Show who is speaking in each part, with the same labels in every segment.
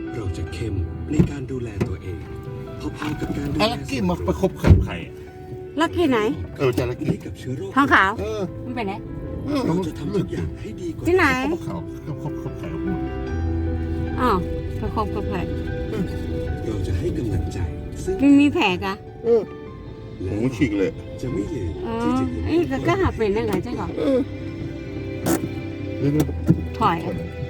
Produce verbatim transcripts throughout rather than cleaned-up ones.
Speaker 1: เราจะเข้มในการดูแลตัวเองพอๆกับการดู
Speaker 2: ไอ้
Speaker 1: แล
Speaker 2: ลักกี้มาประคบกับใครอะ
Speaker 3: ลักกี้ไหน
Speaker 2: เออจะลักกี้
Speaker 1: ให้กับเชื้อโรค
Speaker 3: ทองขาว
Speaker 2: เออ
Speaker 3: มันเป็นไหน
Speaker 2: เออ
Speaker 1: เราจะทำทุกอย่างให้ดีกว่า
Speaker 3: ที่ไหน
Speaker 2: เขาเขาเขาเขาเขาใครพูด
Speaker 3: อ๋อไปคบกับแผล
Speaker 1: เราจะให้กำลังใจซึ่ง
Speaker 3: มันมีแผลกะ
Speaker 2: เออหูฉีกเลย
Speaker 1: จะไม่ลืม
Speaker 3: อ๋อ
Speaker 1: ที่จะยิ้ม
Speaker 3: ไอ้ก็ก็หาเป็นได้ไงใช่ก่อน
Speaker 2: เออเดี๋ยว
Speaker 3: ถอยอะ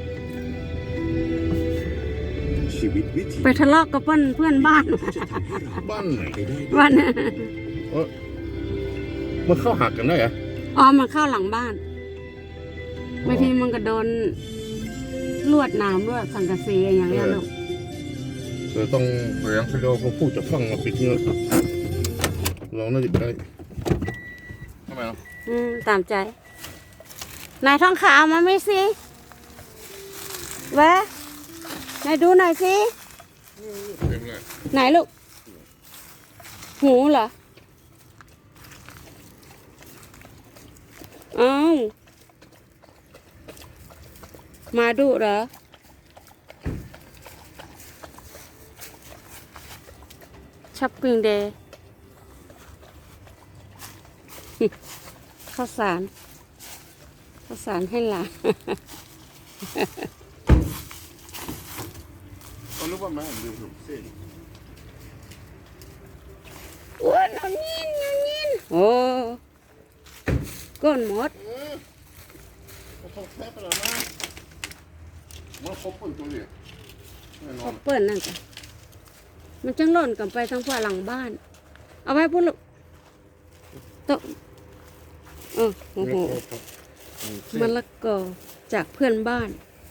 Speaker 1: ชีวิตวิถี
Speaker 3: ไปทะเลาะกับเพื่อนเพื่อนบ้าน
Speaker 1: ที่จะทำให้เรา
Speaker 2: บ้านไหน
Speaker 1: ไปได้
Speaker 3: วัน
Speaker 2: เออมันเข้าหักกันได้เหรอ
Speaker 3: อ๋อมันเข้าหลังบ้านบางทีมันก็โดนลวดหน้ำลวดสังกะสีอย่างเงี้ยลูก
Speaker 2: เออต้องพยายามไปดูเขาพูดจะฟังมาปิดเงี้ยเราน่าจะได้ทำไมอ่ะ
Speaker 3: อืมตามใจนายทองขาวมาไหมสิแวะนายดูหน่อยสิ
Speaker 2: เต็มเลย
Speaker 3: ไหนลูกหูเหรออ้าวมาดูเหรอช้อปปิ้งเดย์ ข้าวสารข้าวสารให้หลาน
Speaker 2: เขาเรียกว่าแม่หรือเส้น
Speaker 3: อ้วนเอายินเอายินโอ้ก้นหมด
Speaker 2: เออเขาแทบไปแล้วนะมันครบคนตัวเนี่ยแน่นอ
Speaker 3: เขา
Speaker 2: น
Speaker 3: เปิดนั่นจ้ะมันจังหล่นกันไปทางฝ่าหลังบ้าน เอาไว้พุ่นลูกโตะเออโอ้โหมะละกอจากเพื่อนบ้าน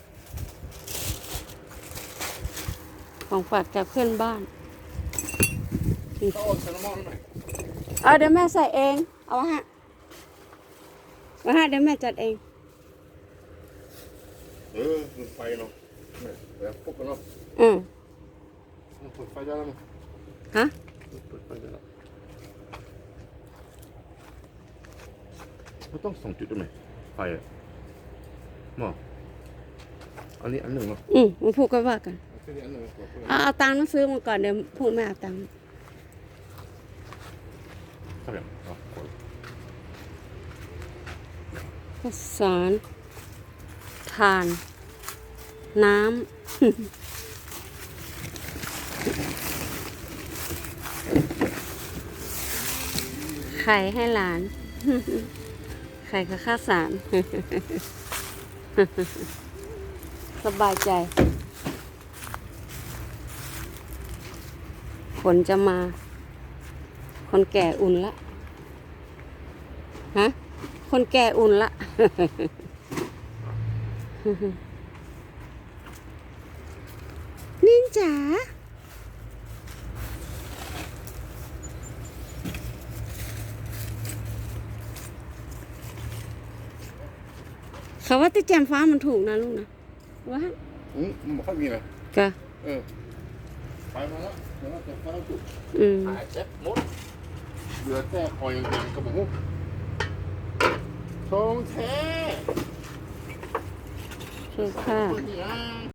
Speaker 3: ของฝากจากเพื่อนบ้าน
Speaker 2: เขาเอาใส่น้ำมันหน่อย
Speaker 3: เอาเดี๋ยวแม่ใส่เอง เอาวะฮะวะฮะเดี๋ยวแม่จัดเอง
Speaker 2: เออมันไฟเนาะแบบพวกกันเนาะ
Speaker 3: อืม
Speaker 2: มันเปิดไฟได้แล้วมั้ง
Speaker 3: ฮะ
Speaker 2: เปิดไฟได้แล้วมันต้องสองจุดได้ไหมไฟอ่ะหมออันนี้อันหนึ่งเนาะ
Speaker 3: อืมมาพูดกันว่ากัน
Speaker 2: อันนี้อันหนึ่งก่อน
Speaker 3: เอาเอาตังค์มาซื้อมาก่อนเดี๋ยวพูดไม่เอาตังค์
Speaker 2: เท่าไหร่อ๋อ
Speaker 3: ข้าวสารทาน น้ำ ไข่ให้หลาน ไข่กับข้าวสาร สบายใจ ฝนจะมา คนแก่อุ่นละ ฮะ คนแก่อุ่นละ นินจ๋าเขาว่าติแจมฟ้ามันถูกนะลูกนะว่า
Speaker 2: อืมมันไม่ค่อยมีนะ
Speaker 3: ก็
Speaker 2: เออไปมาแล้วเดี๋ยวเราจะเข้าจุด
Speaker 3: อืม
Speaker 2: หายเจ็บหมดเหลือแต่คอยยังๆกระบอกทองแท้
Speaker 3: คือค่ะ
Speaker 2: เปิดนี่อ่ะ